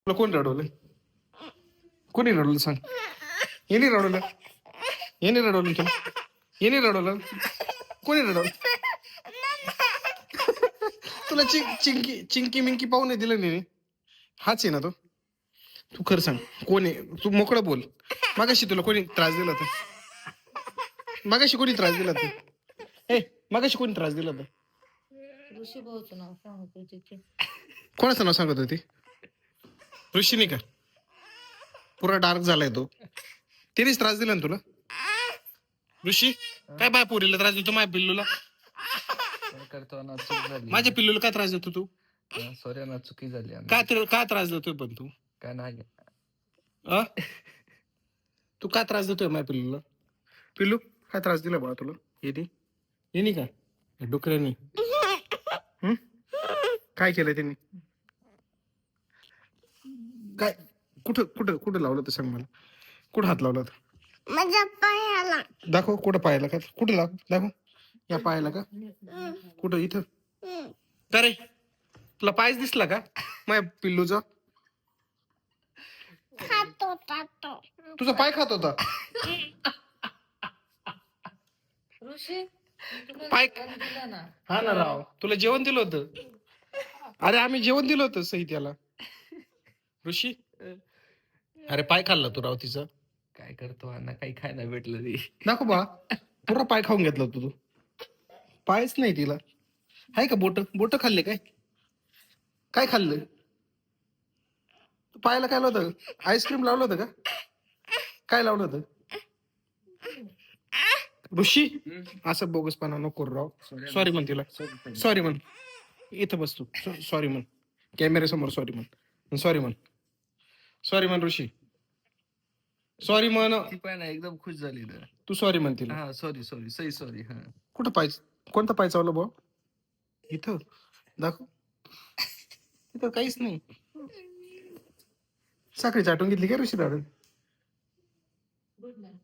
तुला कोण रडवलं? कोणी रडवलं सांग? येणे रडवलं? येणे रडवलं तुला? येणे रडवलं? कोणी रडवलं? तुला चिंकी चिंकी मिंकी पाहून दिलं नाही? हाच आहे ना तो? तू खरं सांग कोण आहे? तू मोकळं बोल. मागाशी तुला कोणी त्रास दिला होता? मागाशी कोणी त्रास दिला होता? ए मागाशी कोणी त्रास दिला होता? ऋषी भाऊचं नाव सांगत होते ते. कोणाचं नाव सांगत होती? ऋषीने का? पुरा डार्क झालाय तो. तिनेच त्रास दिला ना तुला? ऋषी काय बाय पोरीला त्रास देतो माझ्या पिल्लूला? काय करतो ना, चूक झाली. माझ्या पिल्लूला काय त्रास देतो तू? सॉरी ना, चुकी झाली आमची. काय त्रास देतोय पण तू? काय नाही. अ तू काय त्रास देतोय माझ्या पिल्लूला? पिल्लू काय त्रास दिला बाळा तुला? येणी का डुकऱ्यानी? काय केलं त्यांनी? काय कुठं कुठं कुठं लावलं तर सांग मला. कुठं हात लावला तर? माझ्या पायाला. दाखव कुठं पायाला का? कुठं लाव दाखव. या पायाला का? कुठं इथं? का रे तुला पायच दिसला का माझ्या पिल्लूचा? खात होता तो. तुझा पाय खात होता? ऋषी पाय दिला ना. हा ना राव, तुला जेवण दिलं होतं. अरे आम्ही जेवण दिलं होतं सही त्याला. ऋषी अरे पाय खाल्ला तू राव तिचा. काय करतो अण्णा, काही खायला भेटलं रे. दाखव बा पुरा पाय खाऊन घेतला तू. पायच नाही तिला. आहे का बोट? बोट खाल्ले काय? काय खाल्लं? तू पायाला काय लावलं होतं? आईस्क्रीम लावलं होतं का? काय लावलं होतं? ऋषी असं बोगसपणा नको करू राव. सॉरी म्हण तिला. सॉरी म्हण. इथं बस तू. सॉरी म्हण. कॅमेऱ्यासमोर सॉरी म्हण. सॉरी म्हण. सॉरी म्हण ऋषी. सॉरी म्हण. ती पण ना एकदम खुश झाली ना. तू सॉरी म्हण तिला. हा सॉरी सॉरी, सही सॉरी. हा कुठं पाय? कोणता पाय चावलं भाऊ? इथं दाखव. इथं काहीच नाही. साखळी चाटून घेतली का ऋषी दादा? Good night.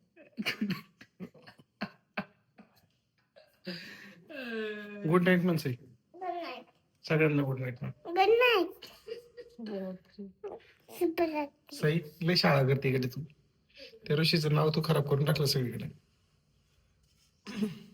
गुड नाईट म्हण सई. Good night. सगळ्यांना गुड नाईट म्हण. Good night. शुभरात्री. शुभरात्री. सई लय शाळा करते इकडे तू. त्या ऋषीचं नाव तू खराब करून टाकलं सगळीकडे.